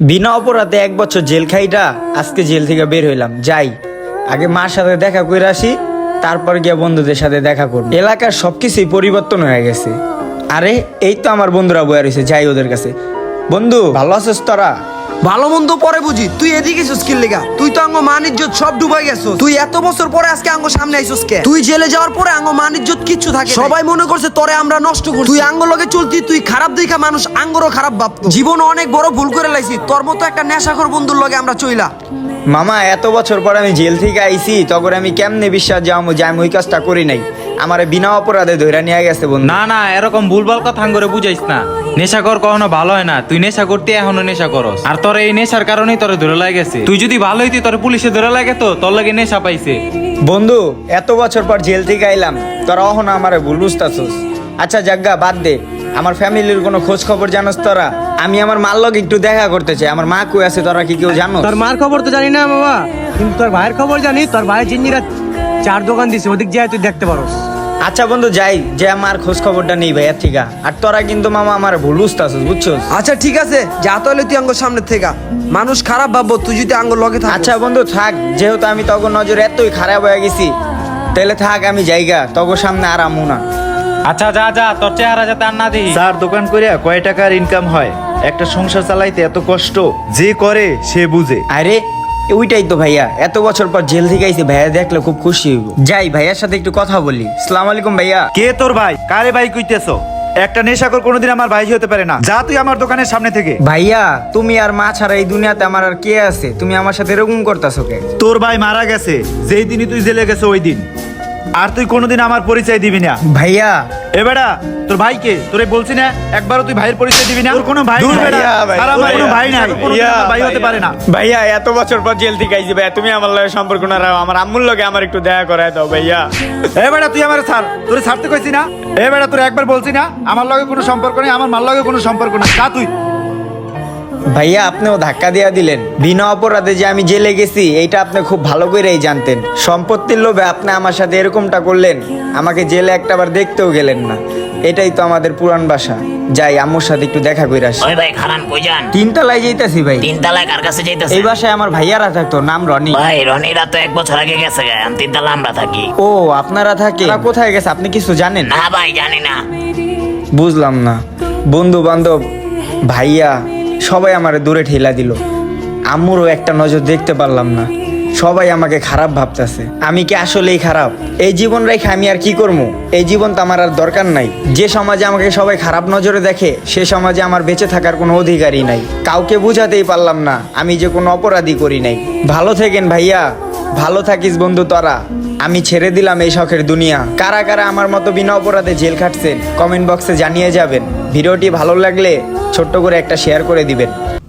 বিনা অপরাধে 1 বছর জেল খাইটা আজকে জেল থেকে বের হইলাম। যাই আগে মার সাথে দেখা করে আসি, তারপর গিয়ে বন্ধুদের সাথে দেখা করব। এলাকার সবকিছুই পরিবর্তন হয়ে গেছে। আরে এই তো আমার বন্ধুরা বয়ে রয়েছে, যাই ওদের কাছে। বন্ধু ভালো আছিস তোরা? ভালো মন্দ পরে বুঝি, তুই এদিকে এসেছিস কি লেগা? তুই তো আঙ্গ মান ইজ্জত সব ডুবাই গেছিস। তুই এত বছর পরে আজকে আঙ্গ সামনে আইছিস কে? তুই জেলে যাওয়ার পরে আঙ্গ মান ইজ্জত কিচ্ছু থাকে, সবাই মনে করছে তোরে আমরা নষ্ট করছি। তুই আঙ্গ লগে চলতি, তুই খারাপ দেখা মানুষ আঙ্গরও খারাপ ভাবতো। জীবন অনেক বড় ভুল করে লাইছি, তোর মতো একটা নেশাখোর বন্ধুর লগে আমরা চইলা। মামা এত বছর পর আমি জেল থেকে আইছি, তখন আমি কেমনে বিশ্বাস যাবো যে আমি ওই কাজটা করি নাই? আমারে বিনা অপরাধে ধইরা নিয়ে গেছে বন্ধু। না না, এরকম ভুলভাল কথা করে বুঝাইস না। নেশা কর কখনো ভালো হয় না। তুই নেশা করতে এখনো নেশা করস, আর তোর এই নেশার কারণেই তোরে ধরে লাগেছে। তুই যদি ভালো হইতি তোর পুলিশে ধরে লাগে তো তোর লাগে নেশা পাইছে। বন্ধু এত বছর পর জেল থেকে আইলাম, তোরা অহনো আমারে ভুল বুঝতাছস। আচ্ছা জাগ্গা বাদ দে, আমার ফ্যামিলির কোনো খোঁজ খবর জানোস তোরা? আমি আমার মার লগে একটু দেখা করতে চাই। আমার মা কই আছে তোরা কি কেউ জানো? তোর মার খবর তো জানি না বাবা, কিন্তু তোর ভাইয়ের খবর জানি। তোর ভাই জিন্দিরা 4 দোকান দিছে, ওদিক যায় তুই দেখতে পারোস। আচ্ছা বন্ধু যাই, যে আমার খোঁজ খবরটা নেই ভাইয়া ঠিক আছে। আর তোরা কিন্তু মামা আমার ভুল বুঝতাছস, বুঝছস? আচ্ছা ঠিক আছে, যা তাহলে তুই আঙ্গ সামনে থেকে। মানুষ খারাপ ভাববো তুই যদি আঙ্গ লগে থাক। আচ্ছা বন্ধু থাক, যেহেতু আমি তখন নজর এতই খারাপ হয়ে গেছি, তাহলে থাক আমি জায়গা তখন সামনে আর আমু না। আচ্ছা যা যা, তোর চেহারা যাতে আর না দিই। চার দোকান করিয়া কয় টাকার ইনকাম হয়? একটা সংসার চালাইতে এত কষ্ট যে করে সে বুঝে। আরে ওইটাই তো ভাইয়া, এত বছর পর জেল থেকে আইছি, ভাইয়া দেখলে খুব খুশি হইব। যাই ভাইয়ার সাথে একটু কথা বলি। আসসালামু আলাইকুম ভাইয়া। কে তোর ভাই? কারে ভাই কইতেছো? একটা নেশাখোর কোনোদিন আমার ভাই হতে পারে না। যা তুই আমার দোকানের সামনে থেকে। ভাইয়া তুমি আর মা ছাড়া এই দুনিয়াতে আমার আর কে আছে? তুমি আমার সাথে এরকম করতেছো কে? তোর ভাই মারা গেছে যেই দিনই তুই জেলে গেছে ওই দিন, আর তুই কোনোদিন আমার পরিচয় দিবি না। ভাইয়া এ বেটা, তোর ভাইকে তোরে বলছি না একবারও তুই ভাইয়ের পরিচয় দিবি না? তোর কোনো ভাই দূর নাই বেটা, ভাইয়া, ভাই, আর আমার কোনো ভাইয়া, ভাই নাই, কোনোদিন আমার ভাই হতে পারে না। ভাইয়া এত বছর পর জেল থেকে আইছি ভাইয়া, তুমি আমার লগে সম্পর্ক না রাখো, আমার আম্মুর লগে আমার একটু দেখা করায় দাও ভাইয়া। এ বেটা তুই আমার ছাড়, তোরে ছাড়তে কইছি না? এ বেটা তোরে একবার বলছি না আমার লগে কোনো সম্পর্ক নেই, আমার মার লগে কোনো সম্পর্ক না। যা তুই। ভাইয়া আপনিও ধাক্কা দিয়া দিলেন। বিনা অপরাধে যে আমি জেলে গেছি এইটা আপনি খুব ভালো করেই জানতেন। সম্পত্তির লোভে আপনি আমার সাথে এরকমটা করলেন, আমাকে জেলে একটাবার দেখতেও গেলেন না। এটাই তো আমাদের পুরান বাসা। যাই আম্মুর সাথে একটু দেখা করে আসি। ওই ভাই খারান কই যান? 3 তলায় যাইতাছি ভাই। 3 তলায় কার কাছে যাইতেছে? এই বাসায় আমার ভাইয়ারা থাকতো, নাম রনি। ভাই রনিরা তো 1 বছর আগে গেছে গে, আমি 3 তলা আমরা থাকি। ও আপনারা থাকে? ওরা কোথায় গেছে আপনি কিছু জানেন? না ভাই জানি না। বুঝলাম না। বন্ধু বান্ধব ভাইয়া সবাই আমারে দূরে ঠেলা দিল। আম্মুরও একটা নজর দেখতে পারলাম না। সবাই আমাকে খারাপ ভাবতেছে। আমি কি আসলেই খারাপ? এই জীবন রেখে আমি আর কি করবো? এই জীবন তো আমার আর দরকার নাই। যে সমাজে আমাকে সবাই খারাপ নজরে দেখে, সে সমাজে আমার বেঁচে থাকার কোনো অধিকারই নাই। কাউকে বুঝাতেই পারলাম না আমি যে কোনো অপরাধী করি নাই। ভালো থেকেন ভাইয়া, ভালো থাকিস বন্ধু তোরা। আমি ছেড়ে দিলাম এই শখের দুনিয়া। কারা কারা আমার মতো বিনা অপরাধে জেল খাটছেন কমেন্ট বক্সে জানিয়ে যাবেন। ভিডিওটি ভালো লাগলে ছোট্ট করে একটা শেয়ার করে দিবেন।